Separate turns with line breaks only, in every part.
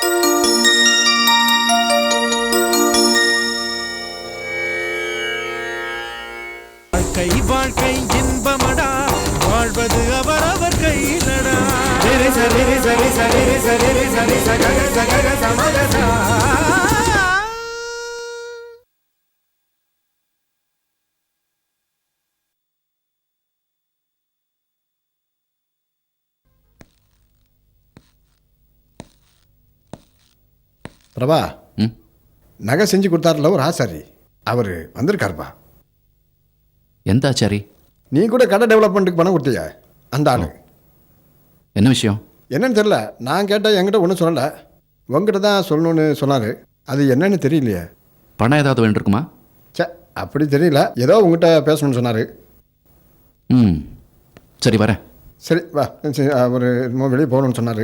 வாழ்க்கை வாழ்க்கை இன்பமடா, வாழ்வது அவரவர் கையிலடா. சரி சரி சரி சரி சரி சரி சகக சகக சமகசா.
பிரபா, நகை செஞ்சு கொடுத்தாருல ஒரு ஆசாரி, அவர் வந்திருக்காருப்பா.
எந்த ஆச்சாரி?
நீ கூட கடை டெவலப்மெண்ட்டுக்கு பணம் கொடுத்தியா அந்த ஆளு.
என்ன விஷயம்?
என்னன்னு தெரியல, நான் கேட்டால் என்கிட்ட ஒன்றும் சொல்லலை, உங்ககிட்ட தான் சொல்லணும்னு சொன்னார். அது என்னன்னு தெரியலையே.
பணம் ஏதாவது வேண்டியிருக்குமா?
சே, அப்படி தெரியல, ஏதோ உங்ககிட்ட பேசணும்னு சொன்னார்.
சரி வரேன்.
சரி வா, அவர் வெளியே போகணும்னு சொன்னார்.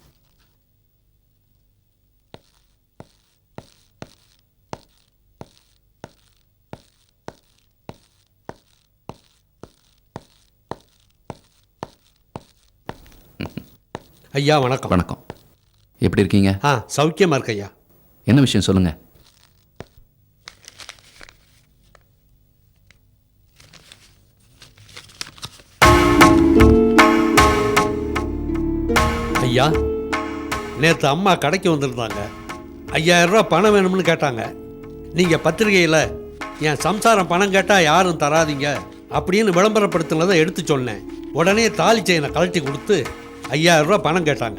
ஐயா வணக்கம்.
வணக்கம். எப்படி இருக்கீங்க?
சௌக்கியமாக இருக்கு ஐயா.
என்ன விஷயம் சொல்லுங்கள்.
ஐயா, நேற்று அம்மா கடைக்கு வந்திருந்தாங்க. 5000 ரூபா பணம் வேணும்னு கேட்டாங்க. நீங்கள் பத்திரிகையில் என் சம்சாரம் பணம் கேட்டால் யாரும் தராதிங்க அப்படின்னு விளம்பரப்படுத்தினதை எடுத்து சொன்னேன். உடனே தாலி செயினை கழட்டி கொடுத்து 5000 ரூபா பணம் கேட்டாங்க.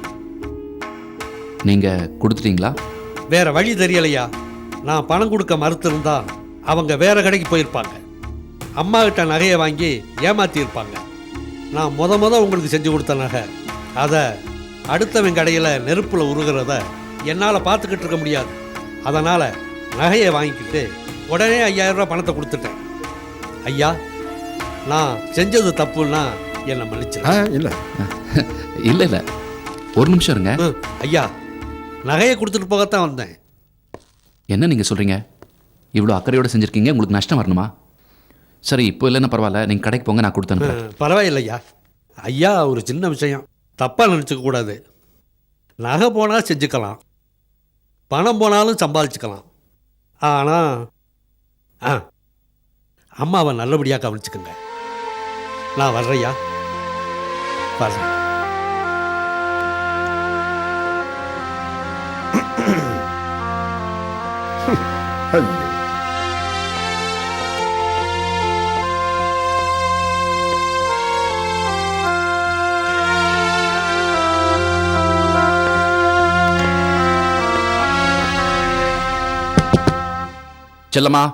நீங்கள் கொடுத்துட்டீங்களா?
வேற வழி தெரியலையா. நான் பணம் கொடுக்க மறுத்திருந்தா அவங்க வேற கடைக்கு போயிருப்பாங்க. அம்மா கிட்ட நகையை வாங்கி ஏமாத்தியிருப்பாங்க. நான் முத உங்களுக்கு செஞ்சு கொடுத்த நகை, அதை அடுத்தவன் கடையில் நெருப்பில் உருகிறத என்னால் பார்த்துக்கிட்டு இருக்க முடியாது. அதனால் நகையை வாங்கிக்கிட்டு உடனே 5000 ரூபா பணத்தை கொடுத்துட்டேன். ஐயா, நான் செஞ்சது தப்புன்னா என்னை மன்னிச்சிருக்கேன்.
இல்லை
இல்லை இல்லை, ஒரு நிமிஷம் இருங்க.
ஐயா, நகையை கொடுத்துட்டு போகத்தான் வந்தேன்.
என்ன நீங்கள் சொல்கிறீங்க? இவ்வளோ அக்கறையோடு செஞ்சுருக்கீங்க, உங்களுக்கு நஷ்டம் வரணுமா? சரி, இப்போ இல்லைன்னா பரவாயில்ல, நீங்கள் கடைக்கு போங்க, நான் கொடுத்தேன்.
பரவாயில்லையா. ஐயா, ஒரு சின்ன விஷயம், தப்பாக நினச்சிக்க கூடாது. நகை போனால் செஞ்சுக்கலாம், பணம் போனாலும் சம்பாதிச்சுக்கலாம். ஆனால் அம்மாவை நல்லபடியாக கவனிச்சுக்கோங்க. நான் வர்றேயா, வர்றேன்.
செல்லம்மா,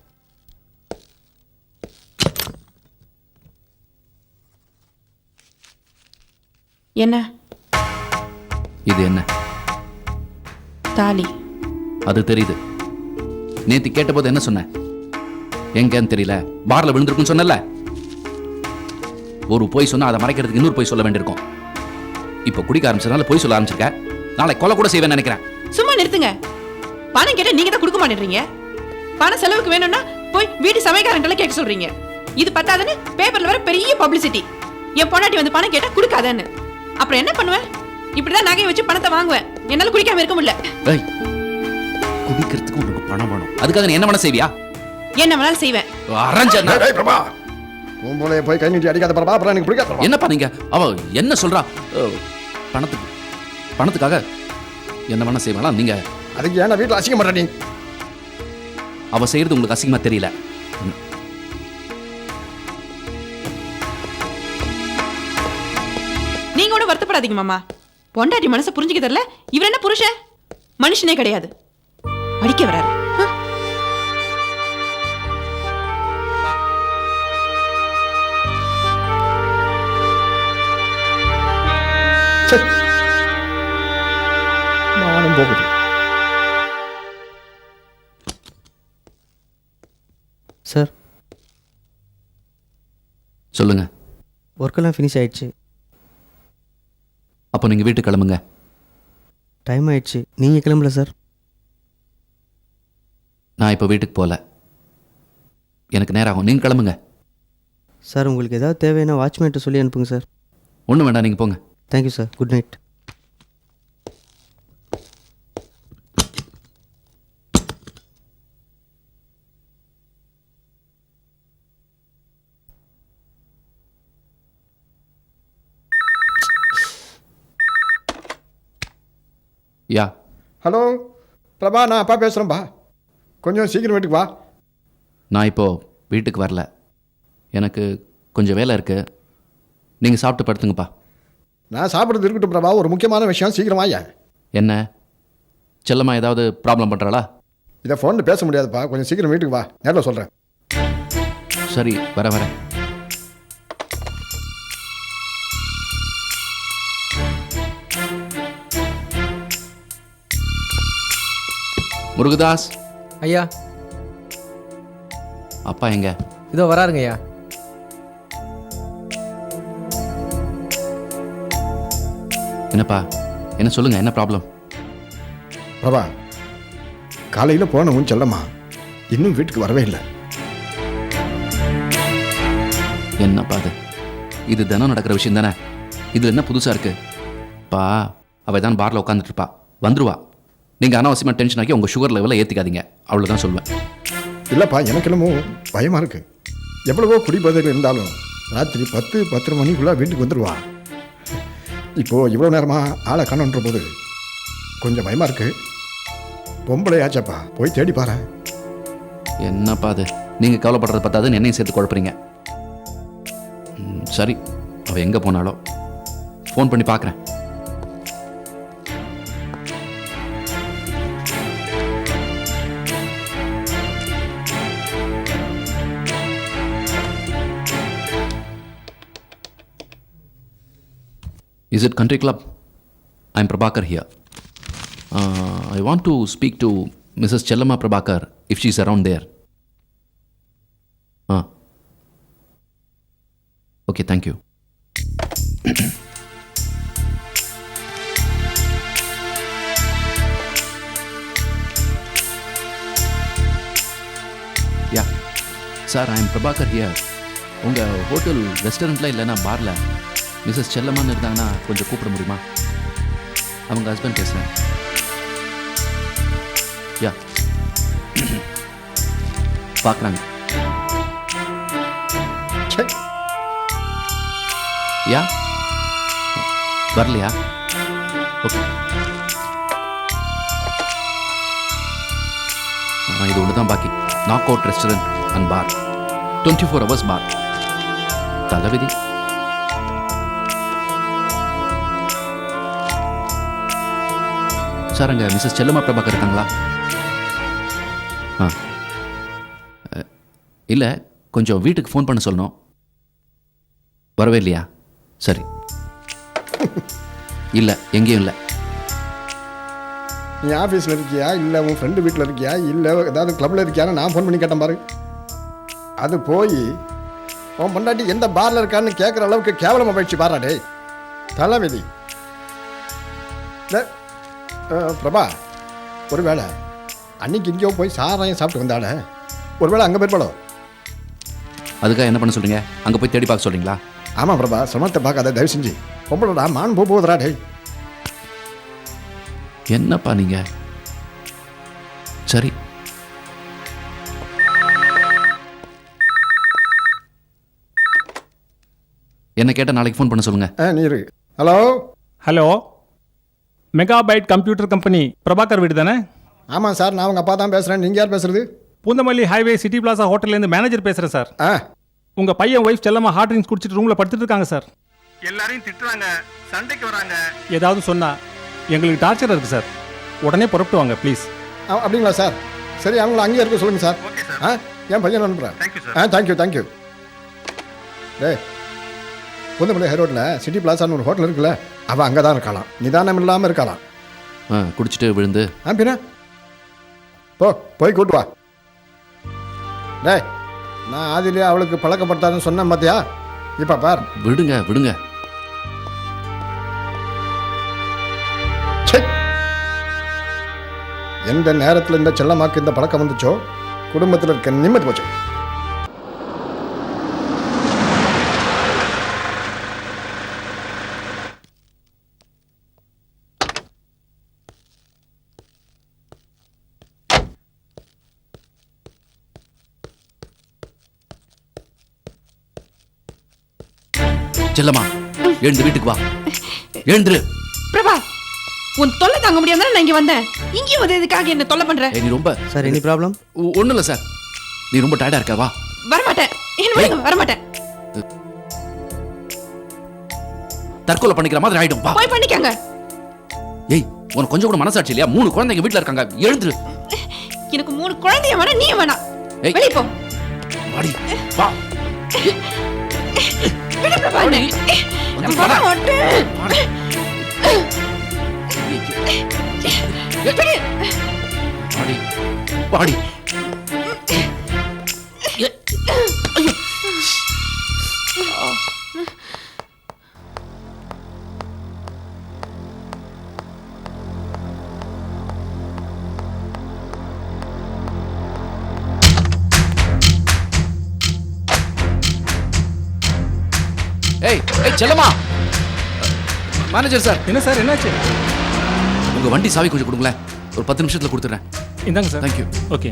என்ன
இது என்ன?
தாலி.
அது தெரியுது. நேத்து கேட்டபோது என்ன சொன்ன? எங்கன்னு தெரியல, பார்ல விழுந்திருக்குன்னு சொன்னல. ஒரு பொய் சொன்னா அதை மறைக்கிறதுக்கு இன்னொரு பொய் சொல்ல வேண்டியிருக்கும். இப்போ குடிக்க ஆரம்பிச்சதுனால பொய் சொல்ல ஆரம்பிச்சிருக்க. நாளை கொலை கூட செய்வேன்னு நினைக்கிறேன்.
சும்மா நிறுத்துங்க. பணம் கேட்டா நீங்க தான் கொடுக்க மாட்டேன்றீங்க. பணம் செலவுக்கு வேணும்னா போய் வீட்டு சமையல்காரன்ட்ட கேட்க சொல்றீங்க. இது பத்தாதுன்னு பேப்பர்ல வர பெரிய பப்ளிசிட்டி. என் பொண்டாட்டி வந்து பணம் கேட்டா கொடுக்காதன்னு. அப்புறம் என்ன பண்ணுவேன்? இப்படிதான் நகையை வச்சு பணத்தை வாங்குவேன். என்னால குடிக்காம இருக்க முடியல.
குடிக்கிறதுக்கு உனக்கு பணம் வேணும், அதுக்காக நீ என்ன வேணா செய்வியா?
என்ன வேணாலும் செய்வேன்.
போய் கை நீட்டி அடிக்காத பிரபா, அப்புறம் எனக்கு பிடிக்காத.
என்னப்பா நீங்க? அவ என்ன சொல்றா? பணத்துக்காக என்ன வேணா செய்வாளா? நீங்க
அதுக்கு ஏன்னா வீட்டில் அசிங்க மாட்டா? நீ
அவ செய்யறது உங்களுக்கு அசிங்கமா தெரியல?
நீங்க கூட வருத்தப்படாதீங்க மாமா. பொண்டாட்டி மனசை புரிஞ்சுக்க தெரியல. இவர் என்ன புருஷன்? மனுஷனே கிடையாது. அடிக்க வராரு.
நானும் போகுது.
சார்,
சொல்லுங்க.
ஒர்க்கெல்லாம் ஃபினிஷ் ஆயிடுச்சு.
அப்போ நீங்கள் வீட்டுக்கு கிளம்புங்க.
டைம் ஆயிடுச்சு. நீங்கள் கிளம்பல சார்?
நான் இப்போ வீட்டுக்கு போகல, எனக்கு நேரம் ஆகும். நீங்கள் கிளம்புங்க.
சார், உங்களுக்கு ஏதாவது தேவைன்னா வாட்ச்மேன்ட்டு சொல்லி அனுப்புங்க சார்.
ஒன்றும் வேண்டாம், நீங்கள் போங்க.
Thank you sir. Good night.
Yeah
hello Prabha, நான் அப்பா பேசுகிறேன்ப்பா. கொஞ்சம் சீக்கிரம் வீட்டுக்கு வா.
நான் இப்போது வீட்டுக்கு வரல, எனக்கு கொஞ்சம் வேலை இருக்குது. நீங்கள் சாப்பிட்டு படுத்துங்கப்பா.
நான் சாப்பிட்றது இருக்கட்டும் பிரபா, ஒரு முக்கியமான விஷயம், சீக்கிரம் வாயா.
என்ன செல்லம்மா ஏதாவது ப்ராப்ளம் பண்ணுறாளா?
இதை ஃபோனில் பேச முடியாதுப்பா, கொஞ்சம் சீக்கிரம் வீட்டுக்கு வா, நேரில் சொல்கிறேன்.
சரி, வரேன். முருகதாஸ்
ஐயா,
அப்பா எங்க?
இதோ வராருங்க ஐயா.
என்னப்பா, என்ன சொல்லுங்க, என்ன ப்ராப்ளம்?
பிரபா, காலையில் போனவும் செல்லம்மா இன்னும் வீட்டுக்கு வரவே இல்லை.
என்னப்பா இது தினம் நடக்கிற விஷயம் தானே, இது என்ன புதுசாக இருக்கு? பா, அவள் தான் பாரில் உட்காந்துட்டு இருப்பா, வந்துருவா. நீங்கள் அனாவசியமாக டென்ஷன் ஆக்கி உங்கள் சுகர் லெவலை ஏற்றிக்காதீங்க, அவ்வளோதான் சொல்லுவேன்.
இல்லைப்பா, எனக்கு என்னமோ பயமாக இருக்கு. எவ்வளவோ குடிபோதைகள் இருந்தாலும் ராத்திரி 10-10:30 மணிக்குள்ளே வீட்டுக்கு வந்துடுவா. இப்போது இவ்வளோ நேரமாக ஆளை காணுன்ற போது கொஞ்சம் பயமாக இருக்கு. பொம்பளை ஆச்சாப்பா, போய் தேடி பாரு.
என்னப்பா அது, நீங்கள் கவலைப்படுறத பார்த்தாது என்னையும் சேர்த்து குழப்பறீங்க. சரி, அவள் எங்கே போனாலோ ஃபோன் பண்ணி பார்க்குறேன். Is it Country Club? I'm Prabhakar here. I want to speak to Mrs. Chellama Prabhakar if she's around there. Okay, thank you. Yeah. Sir, I'm Prabhakar here. உங்கள் ஹோட்டல் ரெஸ்டாரண்ட்டில் இல்லைன்னா பாரில் மிஸ்ஸஸ் செல்லம்மான்னு இருந்தாங்கன்னா கொஞ்சம் கூப்பிட முடியுமா? அவங்க ஹஸ்பண்ட் பேசுகிறேன். யா, பார்க்குறாங்க. யா, வரலையா? ஓகே. இது ஒன்று தான் பாக்கி. Knock out restaurant and bar, 24 hours bar. தலைவிதி. சார், அங்கே மிஸ்ஸஸ் செல்லம்மா பிரபாகர் இருக்காங்களா? இல்லை, கொஞ்சம் வீட்டுக்கு ஃபோன் பண்ண சொல்லணும். வரவே இல்லையா? சரி. இல்லை, எங்கேயும் இல்லை.
நீ ஆஃபீஸில் இருக்கியா, இல்லை உன் ஃப்ரெண்டு வீட்டில் இருக்கியா, இல்லை ஏதாவது கிளப்பில் இருக்கியான்னு நான் ஃபோன் பண்ணி கேட்டேன் பாரு. அது போய் உன் பொண்டாட்டி எந்த பாரில் இருக்கான்னு கேட்குற அளவுக்கு கேவலமாக போயிடுச்சு பாராடே. தலைவிதி. பிரபா, ஒருவேளை அன்னைக்கு இங்கேயோ போய் சாராயம் சாப்பிட்டு வந்தால, ஒருவேளை அங்கே போயிருப்பாளோ?
அதுக்காக என்ன பண்ண சொல்கிறீங்க? அங்கே போய் தேடி பார்க்க சொல்கிறீங்களா?
ஆமாம் பிரபா, சிரமத்தை பார்க்காத, தயவு செஞ்சு. பொம்பளடா, மான் போகுதுடா டே.
என்னப்பா நீங்கள்? சரி. என்ன கேட்டால் நாளைக்கு ஃபோன் பண்ண சொல்லுங்கள்.
நீ இரு. Hello
hello, megabyte computer company Prabhakar வீடு தானே?
ஆமாம் சார், நான் உங்கள் அப்பா தான் பேசுகிறேன். நீங்கள் யார் பேசுகிறது?
பூந்தமல்லி ஹைவே சிட்டி பிளாசா ஹோட்டல்லேருந்து மேனேஜர் பேசுகிறேன் சார். உங்கள் பையன் ஒய்ஃப் செல்லமா ஹார்ட் ட்ரிங்க்ஸ் குடிச்சிட்டு ரூமில் படுத்துட்டு இருக்காங்க சார்.
எல்லாரையும் திட்டுறாங்க, சண்டைக்கு வராங்க.
ஏதாவது சொன்னால் எங்களுக்கு டார்ச்சர் இருக்குது சார். உடனே புறப்பட்டு வாங்க ப்ளீஸ்.
அப்படிங்களா சார்? சரி, அவங்கள அங்கேயே இருக்க சொல்லுங்கள் சார்.
Okay sir.
என் பையன் அனுப்புகிறேன்.
Thank you sir.
Thank you. Poonamallee high ரோட்டில் சிட்டி பிளாசான்னு ஒரு ஹோட்டல் இருக்குல்ல, அவள் அங்கே தான் இருக்கலாம். நிதானம் இல்லாமல் இருக்கலாம்.
குடிச்சிட்டு விழுந்து.
பின்ன போய் கூட்டு வா. நான் ஆதிலே அவளுக்கு பழக்கப்படுத்தாதுன்னு சொன்னேன் பார்த்தியா? இப்போ பார்.
விடுங்க.
எந்த நேரத்தில் இந்த செல்லமாக்கு இந்த பழக்கம் வந்துச்சோ, குடும்பத்தில் இருக்க நிம்மதி போச்சு.
செல்லம்மா, எழுந்து வீட்டுக்கு வா. எழுந்துரு.
பிரபா, உன் தொல்லை தாங்க முடியாம நான் இங்க வந்தேன். இங்கேயும் வந்து எதுக்காக என்ன தொல்லை பண்ற?
நீ ரொம்ப
சார் எனி ப்ராப்ளம்?
ஒன்றும் இல்லை சார், நீ ரொம்ப டயர்டாக இருக்க, வா.
வரமாட்டேன், என்ன வரமாட்டேன்.
தற்கொலை பண்ணிக்கிற மாதிரி ஆயிடும், வா.
போய் பண்ணிக்கங்க.
ஏய், உனக்கு கொஞ்சம் கூட மனசாட்சி இல்லையா? 3 குழந்தைங்க வீட்டில் இருக்காங்க, எழுந்துரு.
எனக்கு 3 குழந்தைய வேணா, நீ வேணா.
ஏய்.
வெளிய போ.
வாடி, வா.
விடு பிரபா.
வாடி.
நான் வர மாட்டேன்.
வாடி.
விடு.
வாடி, வாடி. ஐயோ. ஏய், ஏய் செல்லம்மா. Manager sir.
என்ன சார் என்னாச்சு?
உங்க வண்டி சாவி கொஞ்சம் கொடுங்களேன், ஒரு 10 நிமிஷத்துல கொடுத்துறேன்.
இந்தாங்க சார்.
தேங்க்யூ.
ஓகே.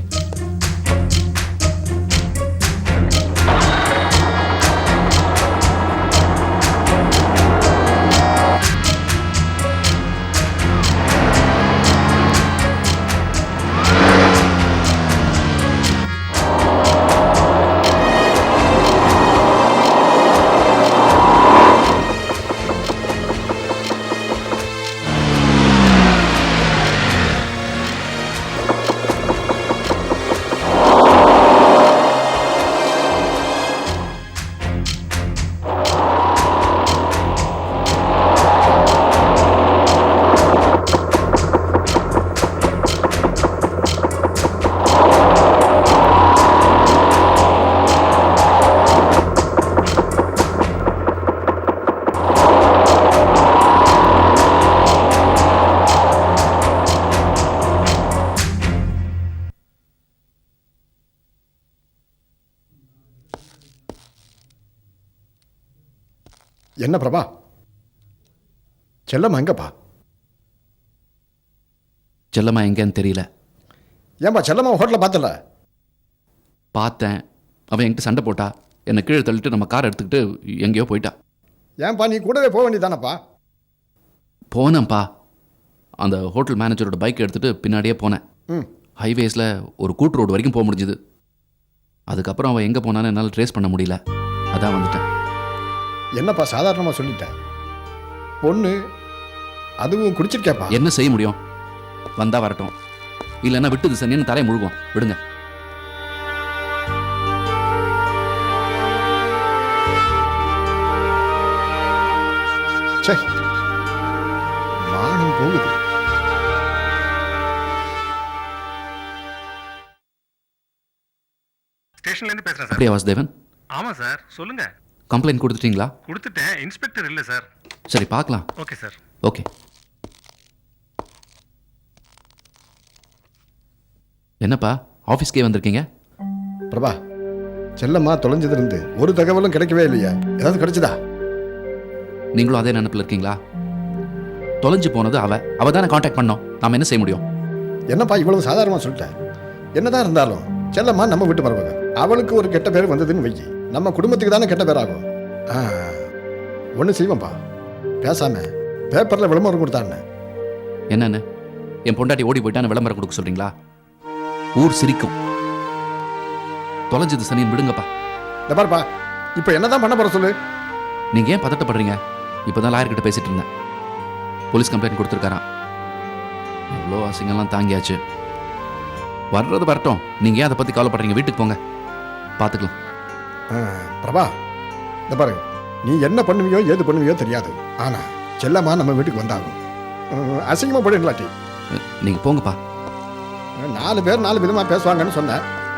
என்ன பிரபா, செல்லம்மா எங்கப்பா?
செல்லம்மா எங்கன்னு தெரியல.
ஏன்பா செல்லம்மா ஹோட்டலில் பார்த்தல?
பார்த்தேன், அவன் என்கிட்ட சண்டை போட்டா, என்னை கீழே தள்ளிட்டு நம்ம காரை எடுத்துக்கிட்டு எங்கேயோ போயிட்டா.
ஏன்பா நீ கூடவே போக வேண்டியதானப்பா?
போனேன்ப்பா, அந்த ஹோட்டல் மேனேஜரோட பைக் எடுத்துகிட்டு பின்னாடியே போனேன். ஹைவேஸில் ஒரு கூட்டு ரோடு வரைக்கும் போக முடிஞ்சுது. அதுக்கப்புறம் அவன் எங்கே போனான்னு என்னால் ட்ரேஸ் பண்ண முடியல, அதான் வந்துட்டேன்.
என்னப்பா சாதாரணமாக சொல்லிட்டேன், பொண்ணு அதுவும் குடிச்சிருக்கேப்பா.
என்ன செய்ய முடியும், வந்தா வரட்டும், இல்லைன்னா விட்டுது சனின்னு தரையை முழுகும், விடுங்க.
சே, மானம் போகுது.
ஸ்டேஷன்ல இருந்து பேசுறேன் சார்.
அப்படியே வாசுதேவன்?
ஆமா சார், சொல்லுங்க.
கம்ப்ளைண்ட் கொடுத்துட்டீங்களா?
கொடுத்துட்டேன், இன்ஸ்பெக்டர் இல்ல சார்.
சரி பார்க்கலாம்.
Okay sir.
ஓகே. என்னப்பா ஆஃபீஸ்க்கே வந்திருக்கீங்க?
பிரபா, செல்லம்மா தொலைஞ்சதிலிருந்து ஒரு தகவலும் கிடைக்கவே இல்லையா? ஏதாவது கிடைச்சதா?
நீங்களும் அதே நினைப்பில் இருக்கீங்களா? தொலைஞ்சு போனது அவ தானே காண்டாக்ட் பண்ணோம், நாம என்ன செய்ய முடியும்?
என்னப்பா இவ்வளவு சாதாரணமாக சொல்லிட்டேன்? என்னதான் இருந்தாலும் செல்லம்மா நம்ம வீட்டு மருமக, அவளுக்கு ஒரு கெட்ட பேர் வந்ததுன்னு வைக்கி, நம்ம குடும்பத்துக்கு தானே கெட்ட பேர் ஆகும். ஒன்று செய்வோம்ப்பா, பேசாம பேப்பரில் விளம்பரம் கொடுத்தான்னு.
என்னன்னு, என் பொண்டாட்டி ஓடி போயிட்டான்னு விளம்பரம் கொடுக்க சொல்றீங்களா? ஊர் சிரிக்கும். தொலைஞ்சது சனின்னு விடுங்கப்பா.
இந்த பாருப்பா, இப்போ என்னதான் பண்ண போற சொல்லு.
நீங்க ஏன் பதட்டப்படுறீங்க? இப்போதான் லாயர் கிட்ட பேசிட்டு இருந்தேன். போலீஸ் கம்ப்ளைண்ட் கொடுத்துருக்காராம். எவ்வளோ அசிங்கம்லாம் தாங்கியாச்சு. வர்றது வரட்டும், நீங்க ஏன் அதை பத்தி கவலைப்படுறீங்க? வீட்டுக்கு போங்க, பார்த்துக்கலாம்.
பிரபா, இந்த பாரு, நீ என்ன பண்ணுவியோ ஏது பண்ணுவியோ தெரியாது, ஆனா செல்லம்மா நம்ம வீட்டுக்கு வந்தாகும். அசிங்கமா போட இல்லாட்டி
நீங்க போங்கப்பா.
4 பேர் 4 விதமா பேசுவாங்கன்னு சொன்ன.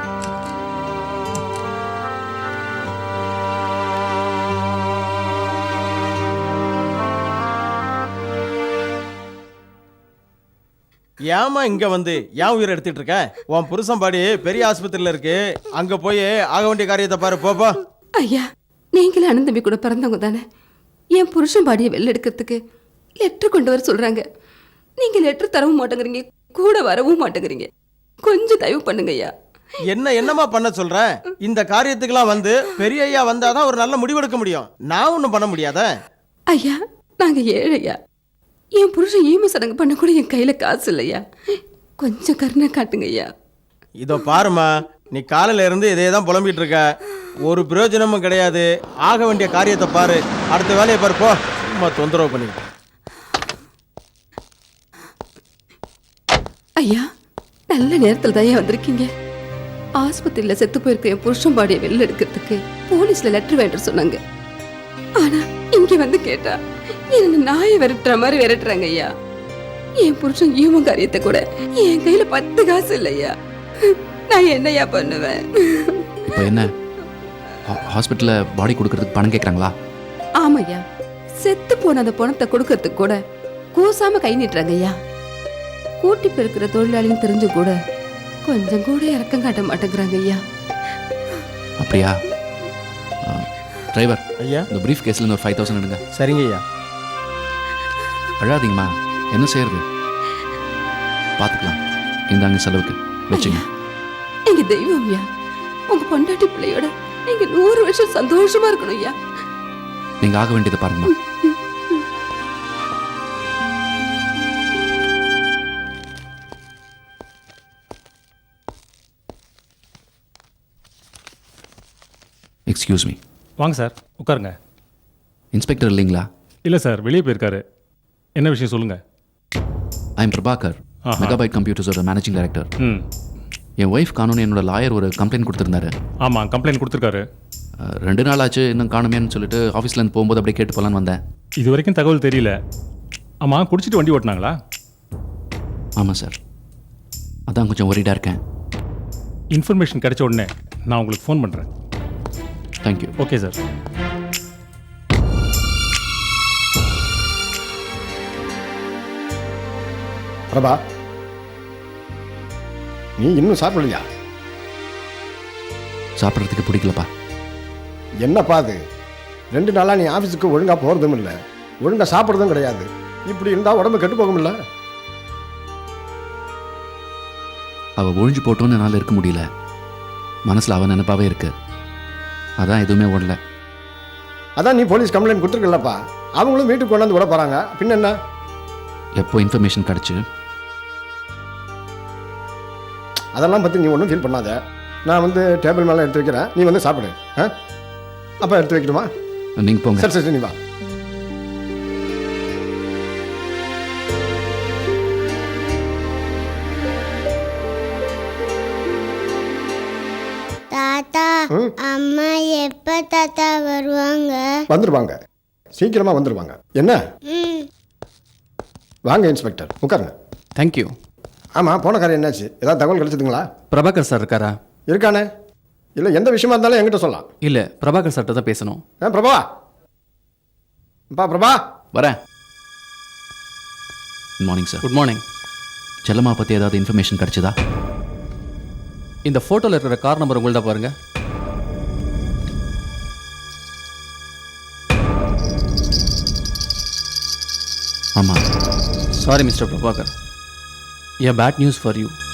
ஏமா இங்க வந்து ஏன் உயிரை எடுத்துட்டு இருக்க? உன் புருஷன் பாடி பெரிய ஆஸ்பத்திரியில இருக்கு, அங்க போய் ஆக வேண்டிய காரியத்தை பாரு, போப்பா.
ஐயா, நீங்களும் அண்ணன் தம்பி கூட பிறந்தவங்க தானே. என் புருஷன் பாடியை வெளில எடுக்கிறதுக்கு லெட்டர் கொண்டு வர சொல்றாங்க. நீங்க லெட்டர் தரவும் மாட்டேங்கிறீங்க, கூட வரவும் மாட்டேங்கிறீங்க. கொஞ்சம் தயவு பண்ணுங்க ஐயா.
என்னமா பண்ண சொல்ற? இந்த காரியத்துக்கெல்லாம் வந்து பெரிய ஐயா வந்தாதான் ஒரு நல்ல முடிவெடுக்க முடியும். நான் ஒன்றும் பண்ண முடியாத.
ஐயா, நாங்க ஏழையா, என் புருஷன் ஈம சடங்கு பண்ண கூட என் கையில காசு இல்லையா? கொஞ்சம் கருணை காட்டுங்க ஐயா.
இதோ பாருமா, நீ காலையில இருந்து இதே தான் புலம்பிட்டு இருக்க. ஒரு பிரயோஜனமும் கிடையாது. ஆக வேண்டிய காரியத்தை பாரு, அடுத்த வேலையை பாரு போ. சும்மா தொந்தரவு பண்ணிக்கிட்டு.
ஐயா, நல்ல நேரத்தில் தான் ஐயா வந்திருக்கீங்க. ஆஸ்பத்திரியில் செத்து போயிருக்க என் புருஷன் பாடியை வெளில எடுக்கிறதுக்கு போலீஸ்ல லெட்டர் வேண்ட சொன்னாங்க. ஆனா இங்க வந்து கேட்டா என்ன நாயை விரட்டுற மாதிரி விரட்டுறாங்க ஐயா. என் புருஷன் ஈமம் காரியத்தை கூட என் கையில 10 காசு இல்லையா. நான் என்னையா பண்ணுவேன்?
இப்போ என்ன ஹாஸ்பிட்டலில் பாடி கொடுக்கறதுக்கு பணம் கேட்குறாங்களா?
ஆமையா, செத்து போன அந்த பணத்தை கொடுக்கறதுக்கு கூட கூசாம கை நீட்டுறாங்க ஐயா. கூட்டி பெருக்கிற தொழிலாளின்னு தெரிஞ்சு கூட கொஞ்சம் கூட இறக்கம் காட்ட மாட்டேங்கிறாங்க ஐயா.
அப்படியா? டிரைவர்,
ஐயா.
இந்த ப்ரீஃப் கேஸில் ஒரு 5000 எடுங்க.
சரிங்க ஐயா.
அழாதீங்கம்மா, என்ன செய்யறது, பார்த்துக்கலாம். இந்தாங்க செலவுக்கு வச்சுங்க.
எங்க தெய்வம் ஐயா, உங்க பொண்டாட்டி பிள்ளையோட நீங்க 100 வருஷம் சந்தோஷமா இருக்கணும் ஐயா.
நீங்கள் ஆக வேண்டியதை பாருங்கம்மா. Excuse me.
வாங்க சார், உட்காருங்க.
இன்ஸ்பெக்டர் இல்லைங்களா?
இல்லை சார், வெளியே போயிருக்காரு. என்ன விஷயம் சொல்லுங்கள்.
ஐ எம் பிரபாகர்,
ஆஹா.
மெகாபைட் கம்ப்யூட்டர்ஸோட மேனேஜிங் டைரக்டர்.
ம்,
என் ஒய்ஃப் காணும்னு என்னோட லாயர் ஒரு கம்ப்ளைண்ட் கொடுத்துருந்தாரு.
ஆமாம், கம்ப்ளைண்ட் கொடுத்துருக்காரு.
2 நாள் ஆச்சு இன்னும் காணுமேன்னு சொல்லிட்டு ஆஃபீஸ்லேருந்து போகும்போது அப்படியே கேட்டு போகலான்னு வந்தேன்.
இது வரைக்கும் தகவல் தெரியல. ஆமாம், குடிச்சிட்டு வண்டி ஓட்டினாங்களா?
ஆமாம் சார், அதான் கொஞ்சம் ஒரிடாக இருக்கேன்.
இன்ஃபர்மேஷன் கிடைச்ச உடனே நான் உங்களுக்கு ஃபோன் பண்ணுறேன்.
தேங்க்யூ.
Okay sir.
பிரபா, நீ இன்னும் சாப்பிடலையா?
சாப்பிட்றதுக்கு பிடிக்கலப்பா.
என்னப்பா அது? 2 நாளாக நீ ஆஃபீஸுக்கு ஒழுங்காக போகிறதும் இல்லை, ஒழுங்காக சாப்பிட்றதும் கிடையாது. இப்படி இருந்தால் உடம்பு கெட்டு போகும்ல.
அவள் ஒழிஞ்சு போட்டோன்னு என்னால் இருக்க முடியல. மனசில் அவன் நினைப்பாவே இருக்கு. அதான் எதுவுமே ஓடல.
அதான் நீ போலீஸ் கம்ப்ளைண்ட் கொடுத்துருக்கலப்பா. அவங்களும் வீட்டுக்கு கொண்டாந்து விட போகிறாங்க. பின்ன என்ன?
எப்போ இன்ஃபர்மேஷன் கிடச்சி
அதெல்லாம் பற்றி நீ ஒன்றும் ஃபீல் பண்ணாத. நான் வந்து டேபிள் மேலே எடுத்து வைக்கிறேன், நீ வந்து சாப்பிடு. அப்போ எடுத்து வைக்கணுமா?
நீங்கள் போங்க.
சரி சரி, நீ வா.
தாத்தா, அம்மா எப்ப தாத்தா வருவாங்க?
வந்துடுவாங்க, சீக்கிரமாக வந்துடுவாங்க. என்ன? வாங்க இன்ஸ்பெக்டர், உட்காருங்க.
தேங்க்யூ.
ஆமாம், போன காரியம் என்னாச்சு? ஏதாவது தகவல் கிடைச்சதுங்களா?
பிரபாகர் சார் இருக்காரா?
இருக்கானே. இல்லை, எந்த விஷயமா இருந்தாலும் என்கிட்ட சொல்லலாம்.
இல்லை, பிரபாகர் சார்கிட்ட தான் பேசணும்.
பிரபா, பிரபா
வரேன். Good morning sir.
Good morning.
Chellamma பற்றி ஏதாவது இன்ஃபர்மேஷன் கிடைச்சதா?
இந்த ஃபோட்டோவில் இருக்கிற கார் நம்பர் உங்கள்ட்ட பாருங்க.
ஆமாம்.
Sorry mister Prabhakar, a bad news for you.